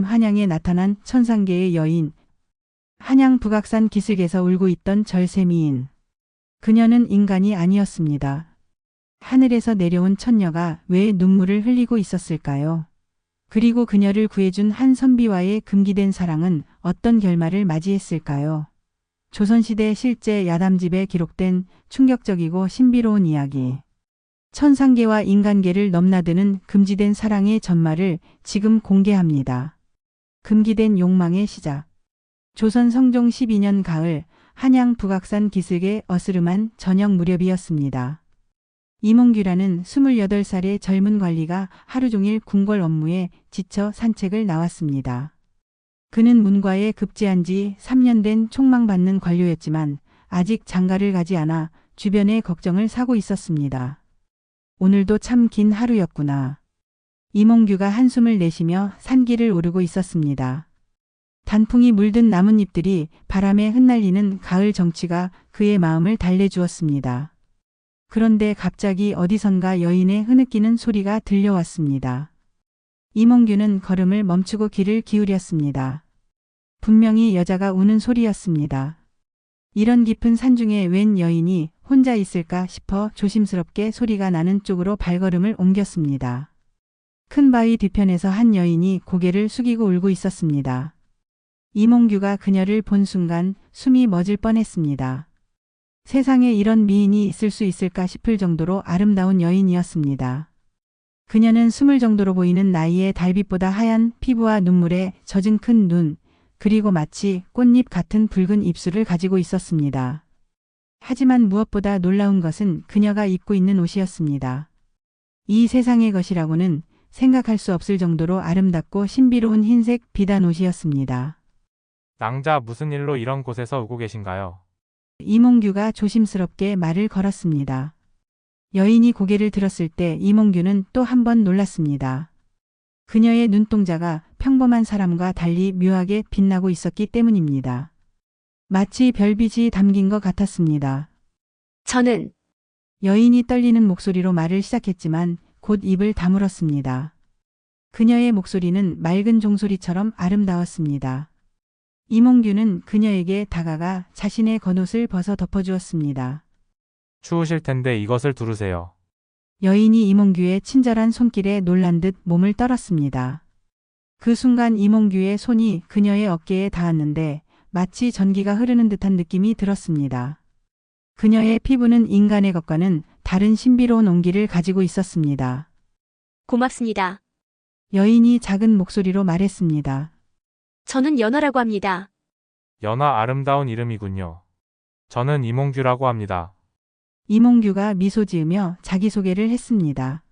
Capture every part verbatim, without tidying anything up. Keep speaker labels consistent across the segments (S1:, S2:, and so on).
S1: 한양에 나타난 천상계의 여인. 한양 북악산 기슭에서 울고 있던 절세미인. 그녀는 인간이 아니었습니다. 하늘에서 내려온 천녀가 왜 눈물을 흘리고 있었을까요? 그리고 그녀를 구해준 한 선비와의 금기된 사랑은 어떤 결말을 맞이했을까요? 조선시대 실제 야담집에 기록된 충격적이고 신비로운 이야기. 천상계와 인간계를 넘나드는 금지된 사랑의 전말을 지금 공개합니다. 금기된 욕망의 시작. 조선 성종 십이 년 가을 한양 북악산 기슭의 어스름한 저녁 무렵이었습니다. 이몽규라는 스물여덟 살의 젊은 관리가 하루 종일 궁궐 업무에 지쳐 산책을 나왔습니다. 그는 문과에 급제한 지 삼 년 된 촉망받는 관료였지만 아직 장가를 가지 않아 주변의 걱정을 사고 있었습니다. 오늘도 참 긴 하루였구나. 이몽규가 한숨을 내쉬며 산길을 오르고 있었습니다. 단풍이 물든 나뭇잎들이 바람에 흩날리는 가을 정취가 그의 마음을 달래주었습니다. 그런데 갑자기 어디선가 여인의 흐느끼는 소리가 들려왔습니다. 이몽규는 걸음을 멈추고 귀를 기울였습니다. 분명히 여자가 우는 소리였습니다. 이런 깊은 산중에 웬 여인이 혼자 있을까 싶어 조심스럽게 소리가 나는 쪽으로 발걸음을 옮겼습니다. 큰 바위 뒤편에서 한 여인이 고개를 숙이고 울고 있었습니다. 이몽규가 그녀를 본 순간 숨이 멎을 뻔했습니다. 세상에 이런 미인이 있을 수 있을까 싶을 정도로 아름다운 여인이었습니다. 그녀는 스물 정도로 보이는 나이에 달빛보다 하얀 피부와 눈물에 젖은 큰 눈, 그리고 마치 꽃잎 같은 붉은 입술을 가지고 있었습니다. 하지만 무엇보다 놀라운 것은 그녀가 입고 있는 옷이었습니다. 이 세상의 것이라고는 생각할 수 없을 정도로 아름답고 신비로운 흰색 비단 옷이었습니다.
S2: 낭자, 무슨 일로 이런 곳에서 오고 계신가요?
S1: 이몽규가 조심스럽게 말을 걸었습니다. 여인이 고개를 들었을 때 이몽규는 또 한 번 놀랐습니다. 그녀의 눈동자가 평범한 사람과 달리 묘하게 빛나고 있었기 때문입니다. 마치 별빛이 담긴 것 같았습니다.
S3: 저는
S1: 여인이 떨리는 목소리로 말을 시작했지만 곧 입을 다물었습니다. 그녀의 목소리는 맑은 종소리처럼 아름다웠습니다. 이몽규는 그녀에게 다가가 자신의 겉옷을 벗어 덮어주었습니다.
S2: 추우실 텐데 이것을 두르세요.
S1: 여인이 이몽규의 친절한 손길에 놀란 듯 몸을 떨었습니다. 그 순간 이몽규의 손이 그녀의 어깨에 닿았는데 마치 전기가 흐르는 듯한 느낌이 들었습니다. 그녀의 피부는 인간의 것과는 다른 신비로운 온기를 가지고 있었습니다.
S3: 고맙습니다.
S1: 여인이 작은 목소리로 말했습니다.
S3: 저는 연하라고 합니다.
S2: 연하, 아름다운 이름이군요. 저는 이몽규라고 합니다.
S1: 이몽규가 미소 지으며 자기소개를 했습니다.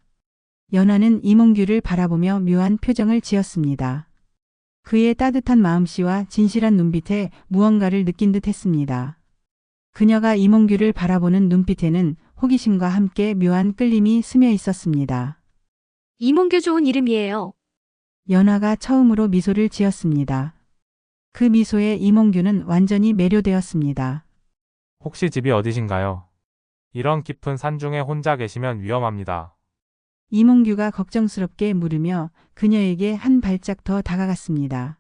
S1: 연하는 이몽규를 바라보며 묘한 표정을 지었습니다. 그의 따뜻한 마음씨와 진실한 눈빛에 무언가를 느낀 듯 했습니다. 그녀가 이몽규를 바라보는 눈빛에는 호기심과 함께 묘한 끌림이 스며 있었습니다.
S3: 이몽규 좋은 이름이에요.
S1: 연하가 처음으로 미소를 지었습니다. 그 미소에 이몽규는 완전히 매료되었습니다.
S2: 혹시 집이 어디신가요? 이런 깊은 산중에 혼자 계시면 위험합니다.
S1: 이몽규가 걱정스럽게 물으며 그녀에게 한 발짝 더 다가갔습니다.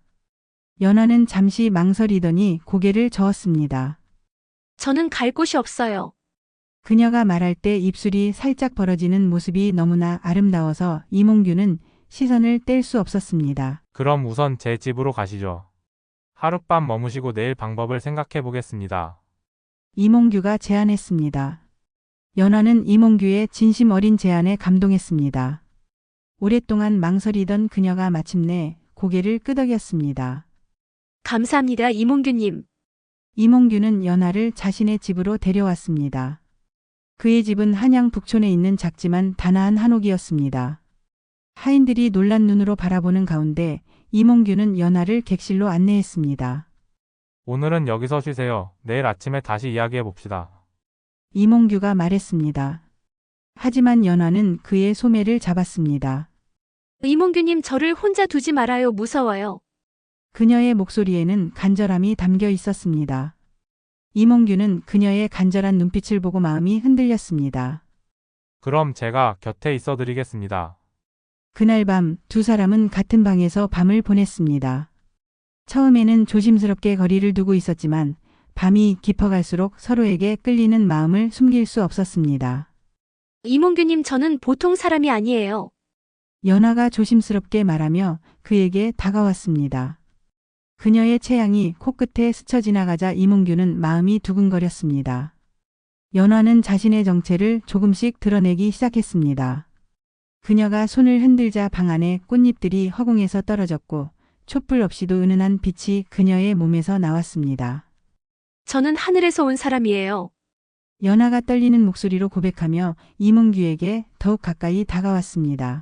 S1: 연하는 잠시 망설이더니 고개를 저었습니다.
S3: 저는 갈 곳이 없어요.
S1: 그녀가 말할 때 입술이 살짝 벌어지는 모습이 너무나 아름다워서 이몽규는 시선을 뗄 수 없었습니다.
S2: 그럼 우선 제 집으로 가시죠. 하룻밤 머무시고 내일 방법을 생각해 보겠습니다.
S1: 이몽규가 제안했습니다. 연하는 이몽규의 진심 어린 제안에 감동했습니다. 오랫동안 망설이던 그녀가 마침내 고개를 끄덕였습니다.
S3: 감사합니다, 이몽규님.
S1: 이몽규는 연하를 자신의 집으로 데려왔습니다. 그의 집은 한양 북촌에 있는 작지만 단아한 한옥이었습니다. 하인들이 놀란 눈으로 바라보는 가운데 이몽규는 연하를 객실로 안내했습니다.
S2: 오늘은 여기서 쉬세요. 내일 아침에 다시 이야기해 봅시다.
S1: 이몽규가 말했습니다. 하지만 연하는 그의 소매를 잡았습니다.
S3: 이몽규님, 저를 혼자 두지 말아요. 무서워요.
S1: 그녀의 목소리에는 간절함이 담겨 있었습니다. 이몽규는 그녀의 간절한 눈빛을 보고 마음이 흔들렸습니다.
S2: 그럼 제가 곁에 있어 드리겠습니다.
S1: 그날 밤 두 사람은 같은 방에서 밤을 보냈습니다. 처음에는 조심스럽게 거리를 두고 있었지만 밤이 깊어갈수록 서로에게 끌리는 마음을 숨길 수 없었습니다.
S3: 이몽규님, 저는 보통 사람이 아니에요.
S1: 연하가 조심스럽게 말하며 그에게 다가왔습니다. 그녀의 체향이 코끝에 스쳐 지나가자 이몽규는 마음이 두근거렸습니다. 연하는 자신의 정체를 조금씩 드러내기 시작했습니다. 그녀가 손을 흔들자 방 안에 꽃잎들이 허공에서 떨어졌고 촛불 없이도 은은한 빛이 그녀의 몸에서 나왔습니다.
S3: 저는 하늘에서 온 사람이에요.
S1: 연하가 떨리는 목소리로 고백하며 이몽규에게 더욱 가까이 다가왔습니다.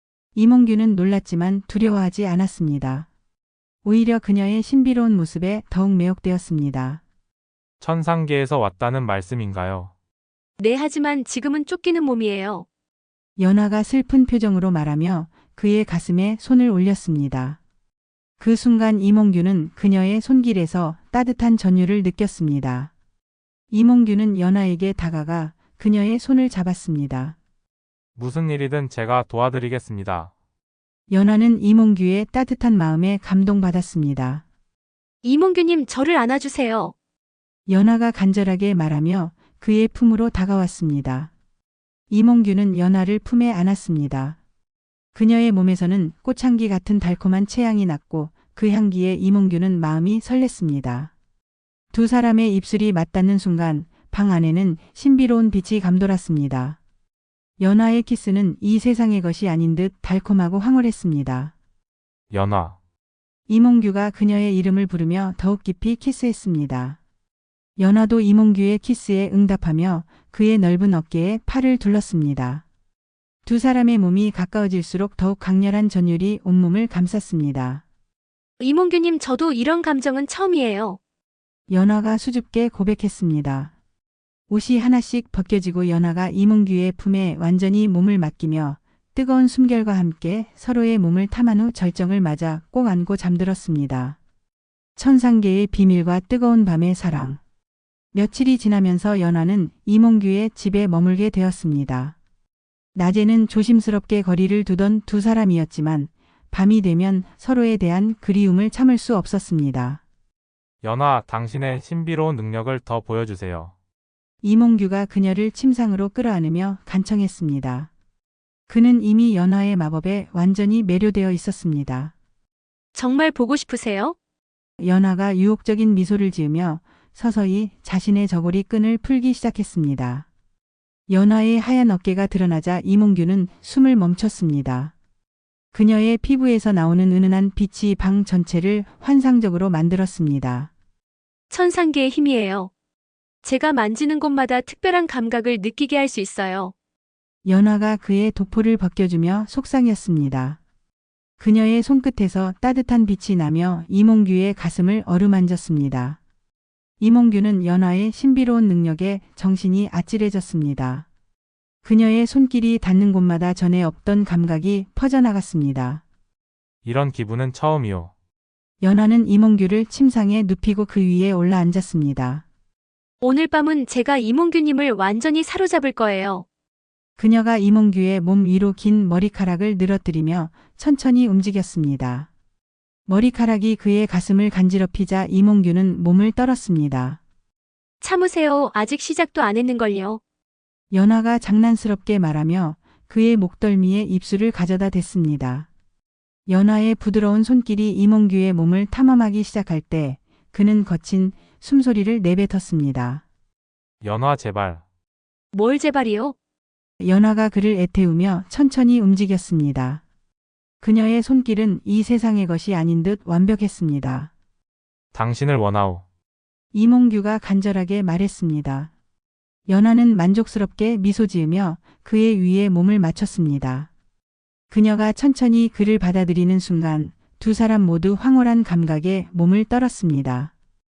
S1: 이몽규는 놀랐지만 두려워하지 않았습니다. 오히려 그녀의 신비로운 모습에 더욱 매혹되었습니다.
S2: 천상계에서 왔다는 말씀인가요?
S3: 네, 하지만 지금은 쫓기는 몸이에요.
S1: 연하가 슬픈 표정으로 말하며 그의 가슴에 손을 올렸습니다. 그 순간 이몽규는 그녀의 손길에서 따뜻한 전율을 느꼈습니다. 이몽규는 연하에게 다가가 그녀의 손을 잡았습니다.
S2: 무슨 일이든 제가 도와드리겠습니다.
S1: 연하는 이몽규의 따뜻한 마음에 감동받았습니다.
S3: 이몽규님, 저를 안아주세요.
S1: 연하가 간절하게 말하며 그의 품으로 다가왔습니다. 이몽규는 연하를 품에 안았습니다. 그녀의 몸에서는 꽃향기 같은 달콤한 체향이 났고 그 향기에 이몽규는 마음이 설렜습니다. 두 사람의 입술이 맞닿는 순간 방 안에는 신비로운 빛이 감돌았습니다. 연하의 키스는 이 세상의 것이 아닌 듯 달콤하고 황홀했습니다.
S2: 연하.
S1: 이몽규가 그녀의 이름을 부르며 더욱 깊이 키스했습니다. 연하도 이몽규의 키스에 응답하며 그의 넓은 어깨에 팔을 둘렀습니다. 두 사람의 몸이 가까워질수록 더욱 강렬한 전율이 온몸을 감쌌습니다.
S3: 이몽규님, 저도 이런 감정은 처음이에요.
S1: 연하가 수줍게 고백했습니다. 옷이 하나씩 벗겨지고 연하가 이몽규의 품에 완전히 몸을 맡기며 뜨거운 숨결과 함께 서로의 몸을 탐한 후 절정을 맞아 꼭 안고 잠들었습니다. 천상계의 비밀과 뜨거운 밤의 사랑. 며칠이 지나면서 연하는 이몽규의 집에 머물게 되었습니다. 낮에는 조심스럽게 거리를 두던 두 사람이었지만 밤이 되면 서로에 대한 그리움을 참을 수 없었습니다.
S2: 연하, 당신의 신비로운 능력을 더 보여주세요.
S1: 이몽규가 그녀를 침상으로 끌어안으며 간청했습니다. 그는 이미 연하의 마법에 완전히 매료되어 있었습니다.
S3: 정말 보고 싶으세요?
S1: 연하가 유혹적인 미소를 지으며 서서히 자신의 저고리 끈을 풀기 시작했습니다. 연하의 하얀 어깨가 드러나자 이몽규는 숨을 멈췄습니다. 그녀의 피부에서 나오는 은은한 빛이 방 전체를 환상적으로 만들었습니다.
S3: 천상계의 힘이에요. 제가 만지는 곳마다 특별한 감각을 느끼게 할 수 있어요.
S1: 연하가 그의 도포를 벗겨주며 속상했습니다. 그녀의 손끝에서 따뜻한 빛이 나며 이몽규의 가슴을 어루만졌습니다. 이몽규는 연하의 신비로운 능력에 정신이 아찔해졌습니다. 그녀의 손길이 닿는 곳마다 전에 없던 감각이 퍼져나갔습니다.
S2: 이런 기분은 처음이요.
S1: 연하는 이몽규를 침상에 눕히고 그 위에 올라앉았습니다.
S3: 오늘 밤은 제가 이몽규님을 완전히 사로잡을 거예요.
S1: 그녀가 이몽규의 몸 위로 긴 머리카락을 늘어뜨리며 천천히 움직였습니다. 머리카락이 그의 가슴을 간지럽히자 이몽규는 몸을 떨었습니다.
S3: 참으세요. 아직 시작도 안 했는걸요.
S1: 연하가 장난스럽게 말하며 그의 목덜미에 입술을 가져다 댔습니다. 연하의 부드러운 손길이 이몽규의 몸을 탐험하기 시작할 때 그는 거친 숨소리를 내뱉었습니다.
S2: 연하, 제발.
S3: 뭘 제발이요?
S1: 연하가 그를 애태우며 천천히 움직였습니다. 그녀의 손길은 이 세상의 것이 아닌 듯 완벽했습니다.
S2: 당신을 원하오.
S1: 이몽규가 간절하게 말했습니다. 연하는 만족스럽게 미소 지으며 그의 위에 몸을 맞췄습니다. 그녀가 천천히 그를 받아들이는 순간 두 사람 모두 황홀한 감각에 몸을 떨었습니다.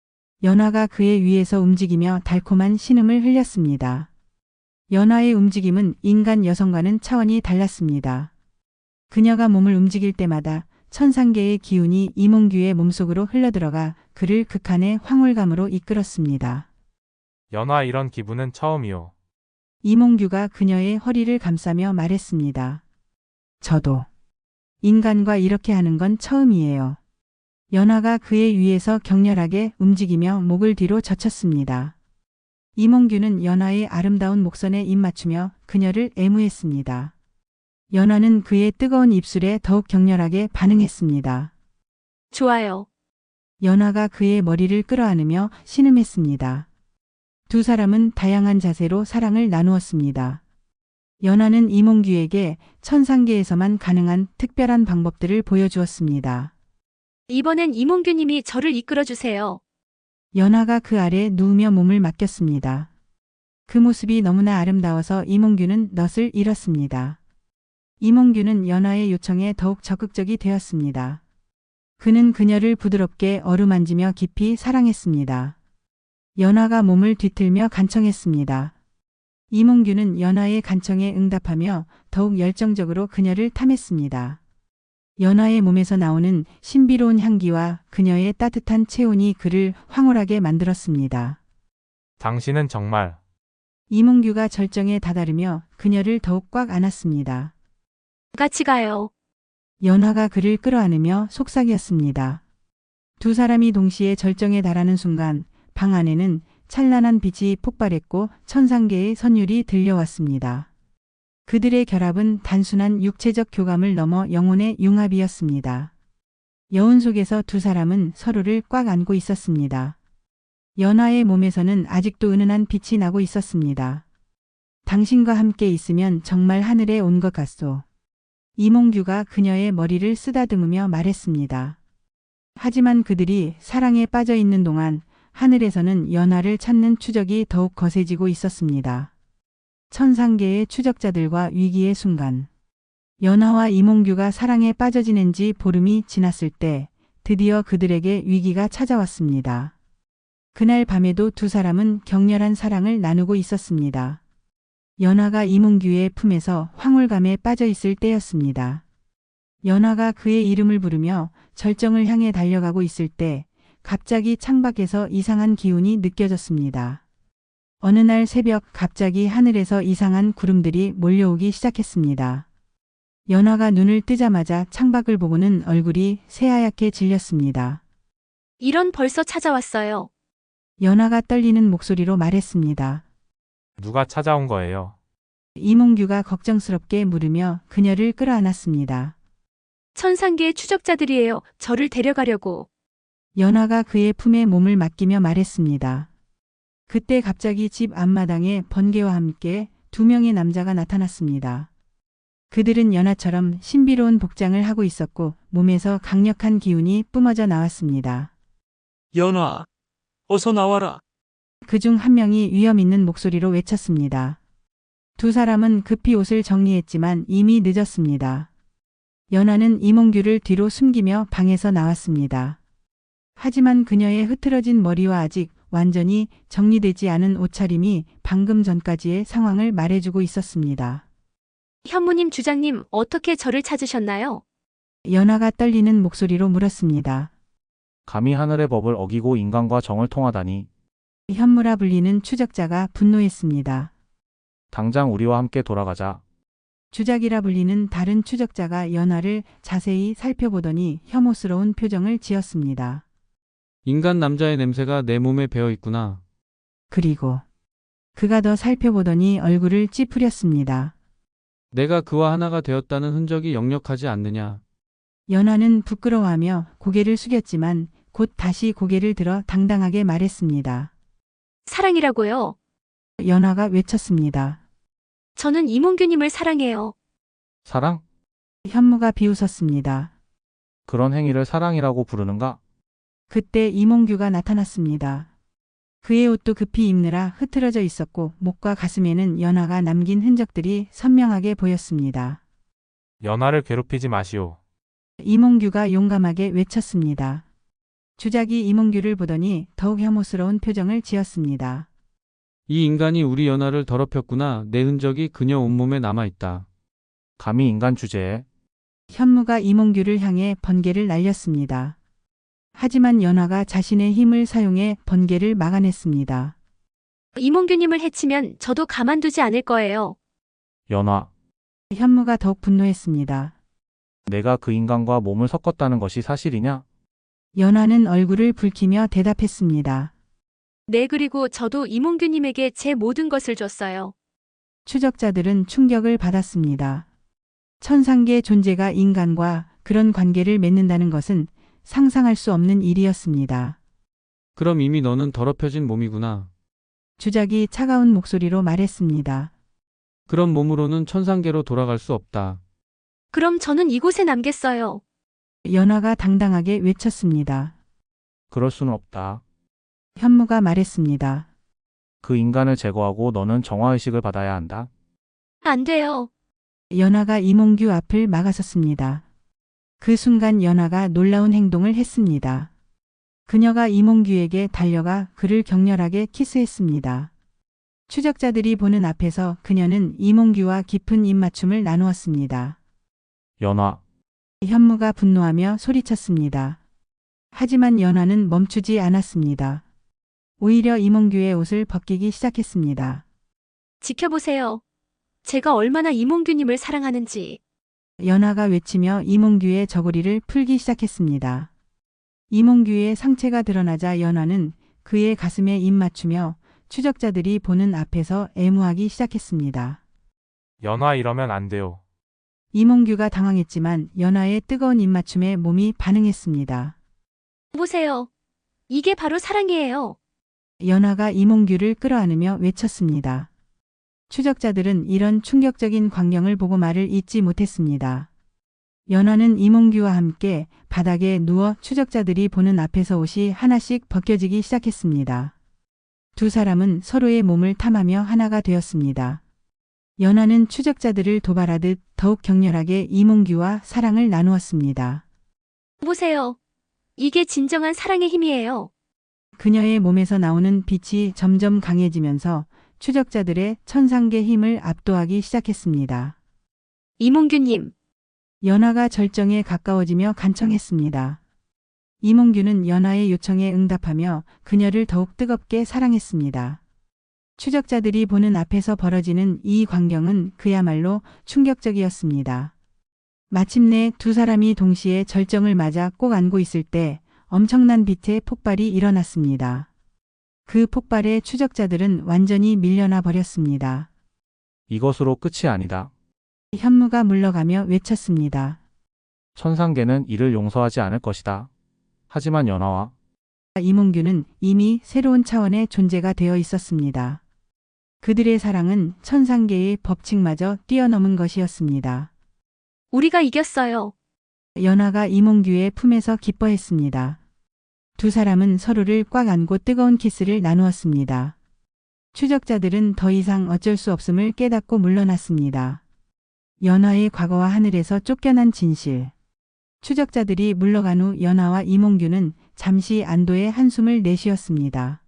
S1: 연하가 그의 위에서 움직이며 달콤한 신음을 흘렸습니다. 연하의 움직임은 인간 여성과는 차원이 달랐습니다. 그녀가 몸을 움직일 때마다 천상계의 기운이 이몽규의 몸속으로 흘러들어가 그를 극한의 황홀감으로 이끌었습니다.
S2: 연하, 이런 기분은 처음이요.
S1: 이몽규가 그녀의 허리를 감싸며 말했습니다. 저도. 인간과 이렇게 하는 건 처음이에요. 연화가 그의 위에서 격렬하게 움직이며 목을 뒤로 젖혔습니다. 이몽규는 연화의 아름다운 목선에 입 맞추며 그녀를 애무했습니다. 연화는 그의 뜨거운 입술에 더욱 격렬하게 반응했습니다.
S3: 좋아요.
S1: 연화가 그의 머리를 끌어안으며 신음했습니다. 두 사람은 다양한 자세로 사랑을 나누었습니다. 연화는 이몽규에게 천상계에서만 가능한 특별한 방법들을 보여주었습니다.
S3: 이번엔 이몽규님이 저를 이끌어주세요.
S1: 연화가 그 아래 누우며 몸을 맡겼습니다. 그 모습이 너무나 아름다워서 이몽규는 넛을 잃었습니다. 이몽규는 연화의 요청에 더욱 적극적이 되었습니다. 그는 그녀를 부드럽게 어루만지며 깊이 사랑했습니다. 연화가 몸을 뒤틀며 간청했습니다. 이몽규는 연화의 간청에 응답하며 더욱 열정적으로 그녀를 탐했습니다. 연화의 몸에서 나오는 신비로운 향기와 그녀의 따뜻한 체온이 그를 황홀하게 만들었습니다.
S2: 당신은 정말
S1: 이몽규가 절정에 다다르며 그녀를 더욱 꽉 안았습니다.
S3: 같이 가요.
S1: 연화가 그를 끌어안으며 속삭였습니다. 두 사람이 동시에 절정에 달하는 순간 방 안에는 찬란한 빛이 폭발했고 천상계의 선율이 들려왔습니다. 그들의 결합은 단순한 육체적 교감을 넘어 영혼의 융합이었습니다. 여운 속에서 두 사람은 서로를 꽉 안고 있었습니다. 연화의 몸에서는 아직도 은은한 빛이 나고 있었습니다. 당신과 함께 있으면 정말 하늘에 온 것 같소. 이몽규가 그녀의 머리를 쓰다듬으며 말했습니다. 하지만 그들이 사랑에 빠져 있는 동안 하늘에서는 연화를 찾는 추적이 더욱 거세지고 있었습니다. 천상계의 추적자들과 위기의 순간. 연화와 이몽규가 사랑에 빠져 지낸 지 보름이 지났을 때 드디어 그들에게 위기가 찾아왔습니다. 그날 밤에도 두 사람은 격렬한 사랑을 나누고 있었습니다. 연화가 이몽규의 품에서 황홀감에 빠져 있을 때였습니다. 연화가 그의 이름을 부르며 절정을 향해 달려가고 있을 때 갑자기 창밖에서 이상한 기운이 느껴졌습니다. 어느 날 새벽 갑자기 하늘에서 이상한 구름들이 몰려오기 시작했습니다. 연화가 눈을 뜨자마자 창밖을 보고는 얼굴이 새하얗게 질렸습니다.
S3: 이런 벌써 찾아왔어요.
S1: 연화가 떨리는 목소리로 말했습니다.
S2: 누가 찾아온 거예요?
S1: 이몽규가 걱정스럽게 물으며 그녀를 끌어안았습니다.
S3: 천상계의 추적자들이에요. 저를 데려가려고.
S1: 연화가 그의 품에 몸을 맡기며 말했습니다. 그때 갑자기 집 앞마당에 번개와 함께 두 명의 남자가 나타났습니다. 그들은 연화처럼 신비로운 복장을 하고 있었고 몸에서 강력한 기운이 뿜어져 나왔습니다.
S4: 연화, 어서 나와라.
S1: 그중 한 명이 위험 있는 목소리로 외쳤습니다. 두 사람은 급히 옷을 정리했지만 이미 늦었습니다. 연화는 이몽규를 뒤로 숨기며 방에서 나왔습니다. 하지만 그녀의 흐트러진 머리와 아직 완전히 정리되지 않은 옷차림이 방금 전까지의 상황을 말해주고 있었습니다.
S3: 현무님 주장님 어떻게 저를 찾으셨나요?
S1: 연화가 떨리는 목소리로 물었습니다.
S5: 감히 하늘의 법을 어기고 인간과 정을 통하다니.
S1: 현무라 불리는 추적자가 분노했습니다.
S5: 당장 우리와 함께 돌아가자.
S1: 주작이라 불리는 다른 추적자가 연화를 자세히 살펴보더니 혐오스러운 표정을 지었습니다.
S4: 인간 남자의 냄새가 내 몸에 배어 있구나.
S1: 그리고 그가 더 살펴보더니 얼굴을 찌푸렸습니다.
S4: 내가 그와 하나가 되었다는 흔적이 역력하지 않느냐.
S1: 연화는 부끄러워하며 고개를 숙였지만 곧 다시 고개를 들어 당당하게 말했습니다.
S3: 사랑이라고요.
S1: 연화가 외쳤습니다.
S3: 저는 이몽규님을 사랑해요.
S5: 사랑?
S1: 현무가 비웃었습니다.
S5: 그런 행위를 사랑이라고 부르는가?
S1: 그때 이몽규가 나타났습니다. 그의 옷도 급히 입느라 흐트러져 있었고 목과 가슴에는 연화가 남긴 흔적들이 선명하게 보였습니다.
S2: 연화를 괴롭히지 마시오.
S1: 이몽규가 용감하게 외쳤습니다. 주작이 이몽규를 보더니 더욱 혐오스러운 표정을 지었습니다.
S4: 이 인간이 우리 연화를 더럽혔구나. 내 흔적이 그녀 온몸에 남아있다.
S5: 감히 인간 주제에.
S1: 현무가 이몽규를 향해 번개를 날렸습니다. 하지만 연화가 자신의 힘을 사용해 번개를 막아냈습니다.
S3: 이몽규님을 해치면 저도 가만두지 않을 거예요.
S5: 연화.
S1: 현무가 더욱 분노했습니다.
S5: 내가 그 인간과 몸을 섞었다는 것이 사실이냐?
S1: 연화는 얼굴을 붉히며 대답했습니다.
S3: 네, 그리고 저도 이몽규님에게 제 모든 것을 줬어요.
S1: 추적자들은 충격을 받았습니다. 천상계 존재가 인간과 그런 관계를 맺는다는 것은 상상할 수 없는 일이었습니다.
S4: 그럼 이미 너는 더럽혀진 몸이구나.
S1: 주작이 차가운 목소리로 말했습니다.
S4: 그런 몸으로는 천상계로 돌아갈 수 없다.
S3: 그럼 저는 이곳에 남겠어요.
S1: 연화가 당당하게 외쳤습니다.
S5: 그럴 수는 없다.
S1: 현무가 말했습니다.
S5: 그 인간을 제거하고 너는 정화의식을 받아야 한다.
S3: 안 돼요.
S1: 연화가 이몽규 앞을 막아섰습니다. 그 순간 연화가 놀라운 행동을 했습니다. 그녀가 이몽규에게 달려가 그를 격렬하게 키스했습니다. 추적자들이 보는 앞에서 그녀는 이몽규와 깊은 입맞춤을 나누었습니다.
S5: 연화,
S1: 현무가 분노하며 소리쳤습니다. 하지만 연화는 멈추지 않았습니다. 오히려 이몽규의 옷을 벗기기 시작했습니다.
S3: 지켜보세요. 제가 얼마나 이몽규님을 사랑하는지.
S1: 연화가 외치며 이몽규의 저고리를 풀기 시작했습니다. 이몽규의 상체가 드러나자 연화는 그의 가슴에 입 맞추며 추적자들이 보는 앞에서 애무하기 시작했습니다.
S2: 연화 이러면 안 돼요.
S1: 이몽규가 당황했지만 연화의 뜨거운 입맞춤에 몸이 반응했습니다.
S3: 보세요. 이게 바로 사랑이에요.
S1: 연화가 이몽규를 끌어안으며 외쳤습니다. 추적자들은 이런 충격적인 광경을 보고 말을 잇지 못했습니다. 연화는 이몽규와 함께 바닥에 누워 추적자들이 보는 앞에서 옷이 하나씩 벗겨지기 시작했습니다. 두 사람은 서로의 몸을 탐하며 하나가 되었습니다. 연화는 추적자들을 도발하듯 더욱 격렬하게 이몽규와 사랑을 나누었습니다.
S3: 보세요. 이게 진정한 사랑의 힘이에요.
S1: 그녀의 몸에서 나오는 빛이 점점 강해지면서 추적자들의 천상계 힘을 압도하기 시작했습니다.
S3: 이몽규님,
S1: 연화가 절정에 가까워지며 간청했습니다. 이몽규는 연화의 요청에 응답하며 그녀를 더욱 뜨겁게 사랑했습니다. 추적자들이 보는 앞에서 벌어지는 이 광경은 그야말로 충격적이었습니다. 마침내 두 사람이 동시에 절정을 맞아 꼭 안고 있을 때 엄청난 빛의 폭발이 일어났습니다. 그 폭발에 추적자들은 완전히 밀려나 버렸습니다.
S5: 이것으로 끝이 아니다.
S1: 현무가 물러가며 외쳤습니다.
S5: 천상계는 이를 용서하지 않을 것이다. 하지만 연화와
S1: 이몽규는 이미 새로운 차원의 존재가 되어 있었습니다. 그들의 사랑은 천상계의 법칙마저 뛰어넘은 것이었습니다.
S3: 우리가 이겼어요.
S1: 연화가 이몽규의 품에서 기뻐했습니다. 두 사람은 서로를 꽉 안고 뜨거운 키스를 나누었습니다. 추적자들은 더 이상 어쩔 수 없음을 깨닫고 물러났습니다. 연화의 과거와 하늘에서 쫓겨난 진실. 추적자들이 물러간 후 연화와 이몽규는 잠시 안도의 한숨을 내쉬었습니다.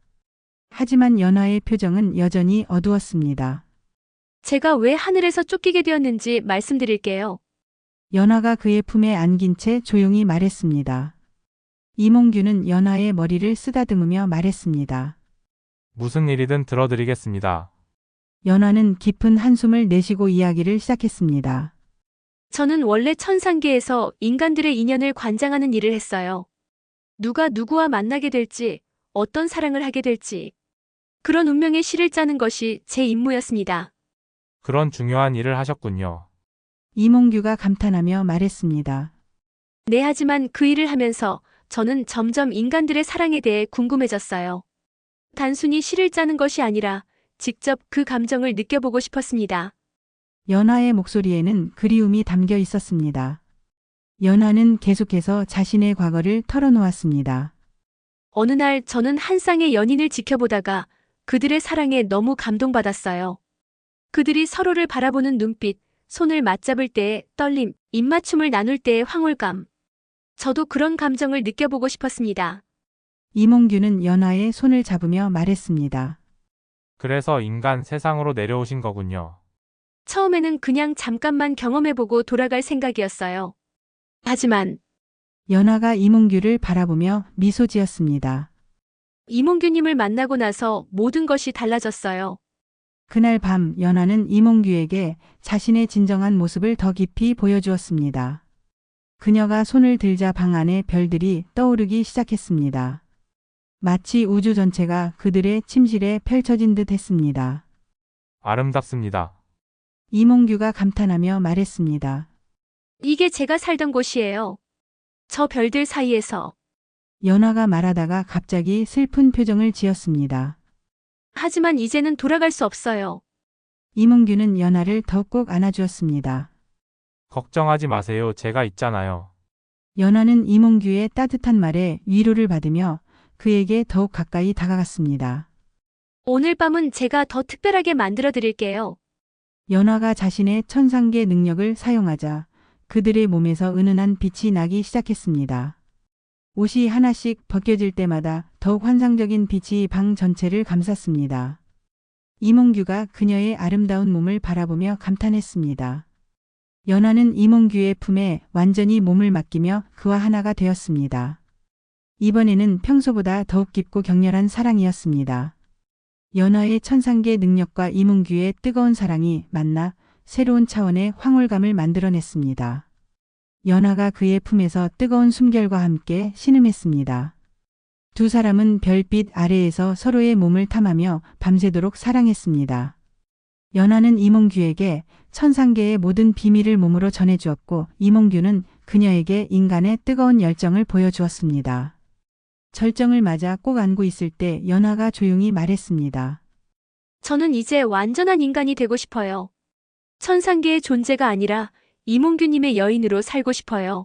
S1: 하지만 연화의 표정은 여전히 어두웠습니다.
S3: 제가 왜 하늘에서 쫓기게 되었는지 말씀드릴게요.
S1: 연화가 그의 품에 안긴 채 조용히 말했습니다. 이몽규는 연화의 머리를 쓰다듬으며 말했습니다.
S2: 무슨 일이든 들어드리겠습니다.
S1: 연화는 깊은 한숨을 내쉬고 이야기를 시작했습니다.
S3: 저는 원래 천상계에서 인간들의 인연을 관장하는 일을 했어요. 누가 누구와 만나게 될지, 어떤 사랑을 하게 될지. 그런 운명의 시를 짜는 것이 제 임무였습니다.
S2: 그런 중요한 일을 하셨군요.
S1: 이몽규가 감탄하며 말했습니다.
S3: 네, 하지만 그 일을 하면서 저는 점점 인간들의 사랑에 대해 궁금해졌어요. 단순히 시를 짜는 것이 아니라 직접 그 감정을 느껴보고 싶었습니다.
S1: 연화의 목소리에는 그리움이 담겨 있었습니다. 연화는 계속해서 자신의 과거를 털어놓았습니다.
S3: 어느 날 저는 한 쌍의 연인을 지켜보다가 그들의 사랑에 너무 감동받았어요. 그들이 서로를 바라보는 눈빛, 손을 맞잡을 때의 떨림, 입맞춤을 나눌 때의 황홀감. 저도 그런 감정을 느껴보고 싶었습니다.
S1: 이몽규는 연화의 손을 잡으며 말했습니다.
S2: 그래서 인간 세상으로 내려오신 거군요.
S3: 처음에는 그냥 잠깐만 경험해보고 돌아갈 생각이었어요. 하지만
S1: 연화가 이몽규를 바라보며 미소 지었습니다.
S3: 이몽규님을 만나고 나서 모든 것이 달라졌어요.
S1: 그날 밤 연화는 이몽규에게 자신의 진정한 모습을 더 깊이 보여주었습니다. 그녀가 손을 들자 방 안에 별들이 떠오르기 시작했습니다. 마치 우주 전체가 그들의 침실에 펼쳐진 듯 했습니다.
S2: 아름답습니다.
S1: 이몽규가 감탄하며 말했습니다.
S3: 이게 제가 살던 곳이에요. 저 별들 사이에서.
S1: 연화가 말하다가 갑자기 슬픈 표정을 지었습니다.
S3: 하지만 이제는 돌아갈 수 없어요.
S1: 이몽규는 연화를 더 꼭 안아주었습니다.
S2: 걱정하지 마세요. 제가 있잖아요.
S1: 연화는 이몽규의 따뜻한 말에 위로를 받으며 그에게 더욱 가까이 다가갔습니다.
S3: 오늘 밤은 제가 더 특별하게 만들어 드릴게요.
S1: 연화가 자신의 천상계 능력을 사용하자 그들의 몸에서 은은한 빛이 나기 시작했습니다. 옷이 하나씩 벗겨질 때마다 더욱 환상적인 빛이 방 전체를 감쌌습니다. 이몽규가 그녀의 아름다운 몸을 바라보며 감탄했습니다. 연화는 이몽규의 품에 완전히 몸을 맡기며 그와 하나가 되었습니다. 이번에는 평소보다 더욱 깊고 격렬한 사랑이었습니다. 연화의 천상계 능력과 이몽규의 뜨거운 사랑이 만나 새로운 차원의 황홀감을 만들어냈습니다. 연화가 그의 품에서 뜨거운 숨결과 함께 신음했습니다. 두 사람은 별빛 아래에서 서로의 몸을 탐하며 밤새도록 사랑했습니다. 연화는 이몽규에게 천상계의 모든 비밀을 몸으로 전해주었고 이몽규는 그녀에게 인간의 뜨거운 열정을 보여주었습니다. 절정을 맞아 꼭 안고 있을 때 연화가 조용히 말했습니다.
S3: 저는 이제 완전한 인간이 되고 싶어요. 천상계의 존재가 아니라 이몽규님의 여인으로 살고 싶어요.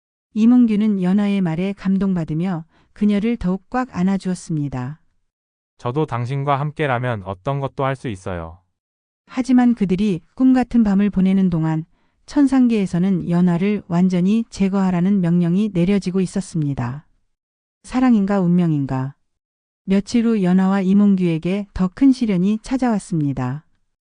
S1: 이몽규는 연화의 말에 감동받으며 그녀를 더욱 꽉 안아주었습니다.
S2: 저도 당신과 함께라면 어떤 것도 할 수 있어요.
S1: 하지만 그들이 꿈같은 밤을 보내는 동안 천상계에서는 연화를 완전히 제거하라는 명령이 내려지고 있었습니다. 사랑인가 운명인가. 며칠 후 연화와 이몽규에게 더 큰 시련이 찾아왔습니다.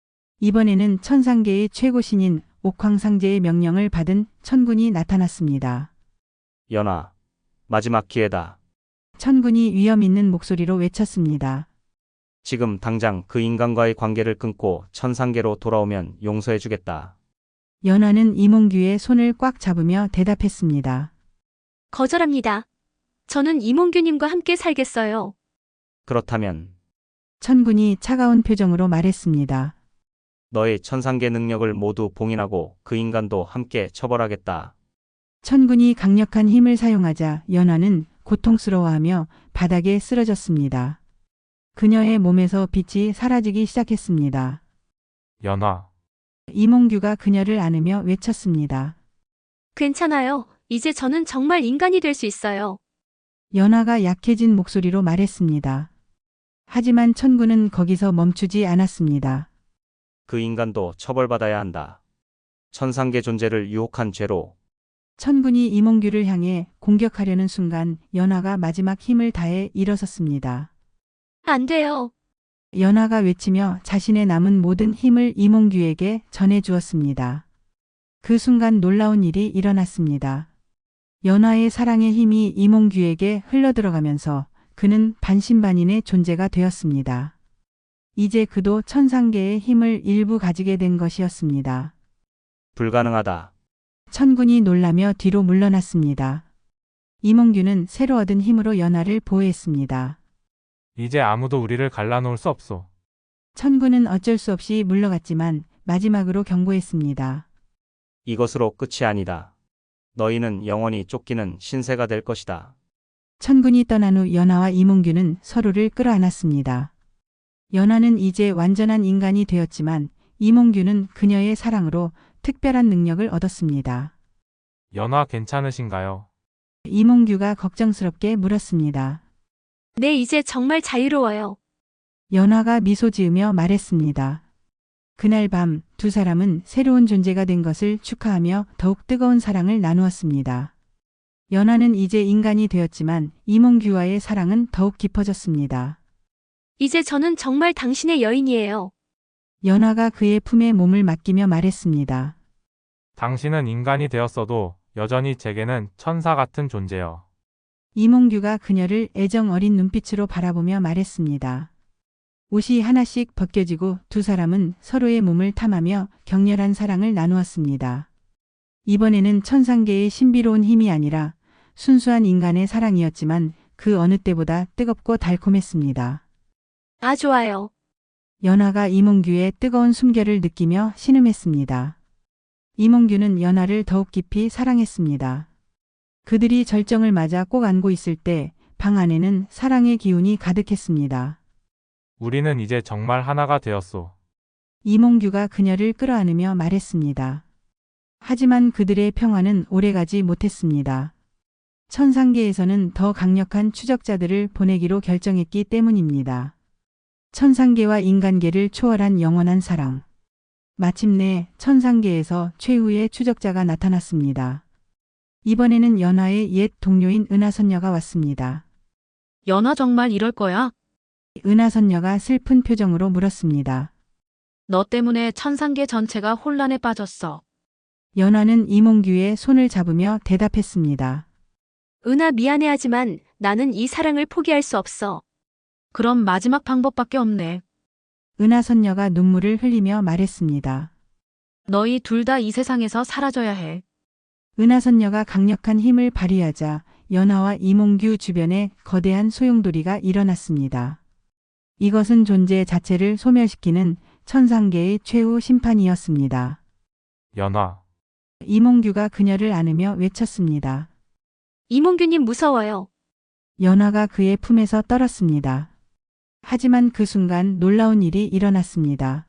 S1: 이번에는 천상계의 최고 신인 옥황상제의 명령을 받은 천군이 나타났습니다.
S6: 연화, 마지막 기회다.
S1: 천군이 위험 있는 목소리로 외쳤습니다.
S6: 지금 당장 그 인간과의 관계를 끊고 천상계로 돌아오면 용서해주겠다.
S1: 연화는 이몽규의 손을 꽉 잡으며 대답했습니다.
S3: 거절합니다. 저는 이몽규님과 함께 살겠어요.
S6: 그렇다면
S1: 천군이 차가운 표정으로 말했습니다.
S6: 너의 천상계 능력을 모두 봉인하고 그 인간도 함께 처벌하겠다.
S1: 천군이 강력한 힘을 사용하자 연화는 고통스러워하며 바닥에 쓰러졌습니다. 그녀의 몸에서 빛이 사라지기 시작했습니다.
S2: 연화.
S1: 이몽규가 그녀를 안으며 외쳤습니다.
S3: 괜찮아요. 이제 저는 정말 인간이 될 수 있어요.
S1: 연화가 약해진 목소리로 말했습니다. 하지만 천군은 거기서 멈추지 않았습니다.
S6: 그 인간도 처벌받아야 한다. 천상계 존재를 유혹한 죄로.
S1: 천군이 이몽규를 향해 공격하려는 순간 연화가 마지막 힘을 다해 일어섰습니다.
S3: 안 돼요.
S1: 연화가 외치며 자신의 남은 모든 힘을 이몽규에게 전해주었습니다. 그 순간 놀라운 일이 일어났습니다. 연화의 사랑의 힘이 이몽규에게 흘러들어가면서 그는 반신반인의 존재가 되었습니다. 이제 그도 천상계의 힘을 일부 가지게 된 것이었습니다.
S6: 불가능하다.
S1: 천군이 놀라며 뒤로 물러났습니다. 이몽규는 새로 얻은 힘으로 연화를 보호했습니다.
S2: 이제 아무도 우리를 갈라놓을 수 없소.
S1: 천군은 어쩔 수 없이 물러갔지만 마지막으로 경고했습니다.
S6: 이것으로 끝이 아니다. 너희는 영원히 쫓기는 신세가 될 것이다.
S1: 천군이 떠난 후 연화와 이몽규는 서로를 끌어안았습니다. 연화는 이제 완전한 인간이 되었지만 이몽규는 그녀의 사랑으로 특별한 능력을 얻었습니다.
S2: 연화 괜찮으신가요?
S1: 이몽규가 걱정스럽게 물었습니다.
S3: 네, 이제 정말 자유로워요.
S1: 연화가 미소 지으며 말했습니다. 그날 밤 두 사람은 새로운 존재가 된 것을 축하하며 더욱 뜨거운 사랑을 나누었습니다. 연화는 이제 인간이 되었지만 이몽규와의 사랑은 더욱 깊어졌습니다.
S3: 이제 저는 정말 당신의 여인이에요.
S1: 연화가 그의 품에 몸을 맡기며 말했습니다.
S2: 당신은 인간이 되었어도 여전히 제게는 천사 같은 존재요.
S1: 이몽규가 그녀를 애정 어린 눈빛으로 바라보며 말했습니다. 옷이 하나씩 벗겨지고 두 사람은 서로의 몸을 탐하며 격렬한 사랑을 나누었습니다. 이번에는 천상계의 신비로운 힘이 아니라 순수한 인간의 사랑이었지만 그 어느 때보다 뜨겁고 달콤했습니다.
S3: 아, 좋아요.
S1: 연하가 이몽규의 뜨거운 숨결을 느끼며 신음했습니다. 이몽규는 연하를 더욱 깊이 사랑했습니다. 그들이 절정을 맞아 꼭 안고 있을 때 방 안에는 사랑의 기운이 가득했습니다.
S2: 우리는 이제 정말 하나가 되었소.
S1: 이몽규가 그녀를 끌어안으며 말했습니다. 하지만 그들의 평화는 오래가지 못했습니다. 천상계에서는 더 강력한 추적자들을 보내기로 결정했기 때문입니다. 천상계와 인간계를 초월한 영원한 사랑. 마침내 천상계에서 최후의 추적자가 나타났습니다. 이번에는 연하의 옛 동료인 은하선녀가 왔습니다.
S3: 연아 정말 이럴 거야?
S1: 은하선녀가 슬픈 표정으로 물었습니다.
S3: 너 때문에 천상계 전체가 혼란에 빠졌어.
S1: 연하는 이몽규의 손을 잡으며 대답했습니다.
S3: 은하 미안해하지만 나는 이 사랑을 포기할 수 없어. 그럼 마지막 방법밖에 없네.
S1: 은하선녀가 눈물을 흘리며 말했습니다.
S3: 너희 둘 다 이 세상에서 사라져야 해.
S1: 은하선녀가 강력한 힘을 발휘하자 연하와 이몽규 주변에 거대한 소용돌이가 일어났습니다. 이것은 존재 자체를 소멸시키는 천상계의 최후 심판이었습니다.
S2: 연하.
S1: 이몽규가 그녀를 안으며 외쳤습니다.
S3: 이몽규님 무서워요.
S1: 연하가 그의 품에서 떨었습니다. 하지만 그 순간 놀라운 일이 일어났습니다.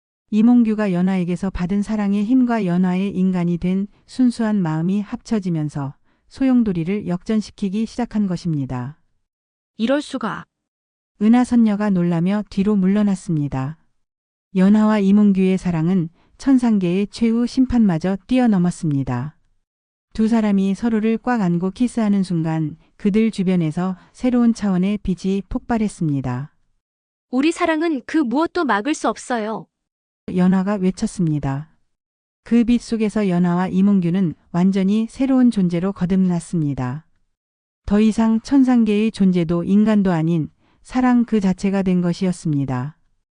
S1: 이몽규가 연하에게서 받은 사랑의 힘과 연하의 인간이 된 순수한 마음이 합쳐지면서 소용돌이를 역전시키기 시작한 것입니다.
S3: 이럴 수가.
S1: 은하선녀가 놀라며 뒤로 물러났습니다. 연하와 이몽규의 사랑은 천상계의 최후 심판마저 뛰어넘었습니다. 두 사람이 서로를 꽉 안고 키스하는 순간 그들 주변에서 새로운 차원의 빛이 폭발했습니다.
S3: 우리 사랑은 그 무엇도 막을 수 없어요.
S1: 연하가 외쳤습니다. 그 빛 속에서 연하와 이몽규는 완전히 새로운 존재로 거듭났습니다. 더 이상 천상계의 존재도 인간도 아닌 사랑 그 자체가 된 것이었습니다.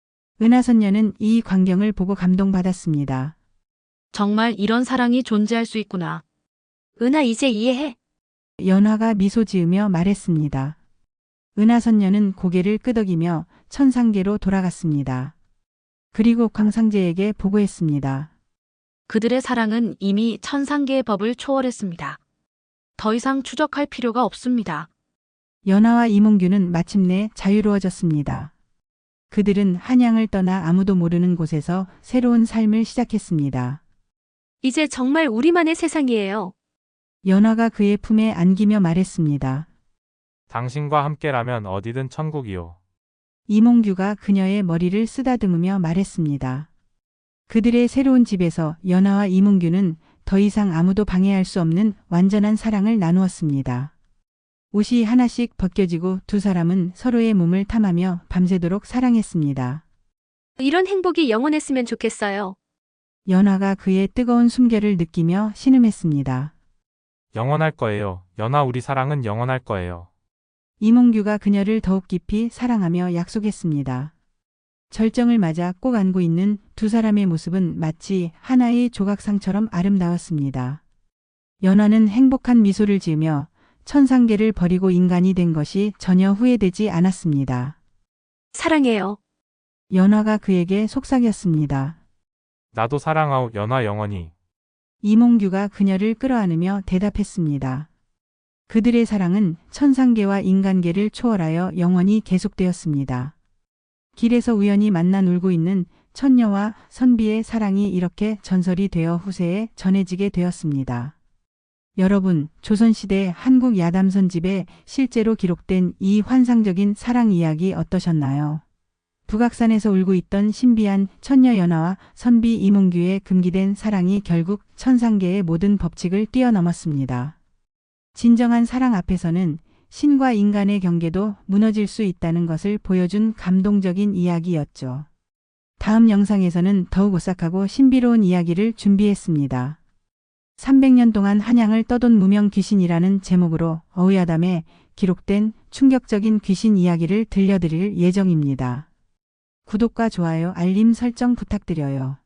S1: 은하선녀는 이 광경을 보고 감동받았습니다.
S3: 정말 이런 사랑이 존재할 수 있구나. 은하 이제 이해해.
S1: 연하가 미소 지으며 말했습니다. 은하선녀는 고개를 끄덕이며 천상계로 돌아갔습니다. 그리고 광상제에게 보고했습니다.
S3: 그들의 사랑은 이미 천상계의 법을 초월했습니다. 더 이상 추적할 필요가 없습니다.
S1: 연하와 이몽규는 마침내 자유로워졌습니다. 그들은 한양을 떠나 아무도 모르는 곳에서 새로운 삶을 시작했습니다.
S3: 이제 정말 우리만의 세상이에요.
S1: 연하가 그의 품에 안기며 말했습니다.
S2: 당신과 함께라면 어디든 천국이요.
S1: 이몽규가 그녀의 머리를 쓰다듬으며 말했습니다. 그들의 새로운 집에서 연하와 이몽규는 더 이상 아무도 방해할 수 없는 완전한 사랑을 나누었습니다. 옷이 하나씩 벗겨지고 두 사람은 서로의 몸을 탐하며 밤새도록 사랑했습니다.
S3: 이런 행복이 영원했으면 좋겠어요.
S1: 연하가 그의 뜨거운 숨결을 느끼며 신음했습니다.
S2: 영원할 거예요. 연하 우리 사랑은 영원할 거예요.
S1: 이몽규가 그녀를 더욱 깊이 사랑하며 약속했습니다. 절정을 맞아 꼭 안고 있는 두 사람의 모습은 마치 하나의 조각상처럼 아름다웠습니다. 연하는 행복한 미소를 지으며 천상계를 버리고 인간이 된 것이 전혀 후회되지 않았습니다.
S3: 사랑해요.
S1: 연하가 그에게 속삭였습니다.
S2: 나도 사랑하오 연하 영원히.
S1: 이몽규가 그녀를 끌어안으며 대답했습니다. 그들의 사랑은 천상계와 인간계를 초월하여 영원히 계속되었습니다. 길에서 우연히 만나 놀고 있는 천녀와 선비의 사랑이 이렇게 전설이 되어 후세에 전해지게 되었습니다. 여러분, 조선시대 한국 야담선집에 실제로 기록된 이 환상적인 사랑 이야기 어떠셨나요? 북악산에서 울고 있던 신비한 천녀 연하와 선비 이몽규의 금기된 사랑이 결국 천상계의 모든 법칙을 뛰어넘었습니다. 진정한 사랑 앞에서는 신과 인간의 경계도 무너질 수 있다는 것을 보여준 감동적인 이야기였죠. 다음 영상에서는 더욱 오싹하고 신비로운 이야기를 준비했습니다. 삼백 년 동안 한양을 떠돈 무명 귀신이라는 제목으로 어우야담에 기록된 충격적인 귀신 이야기를 들려드릴 예정입니다. 구독과 좋아요, 알림 설정 부탁드려요.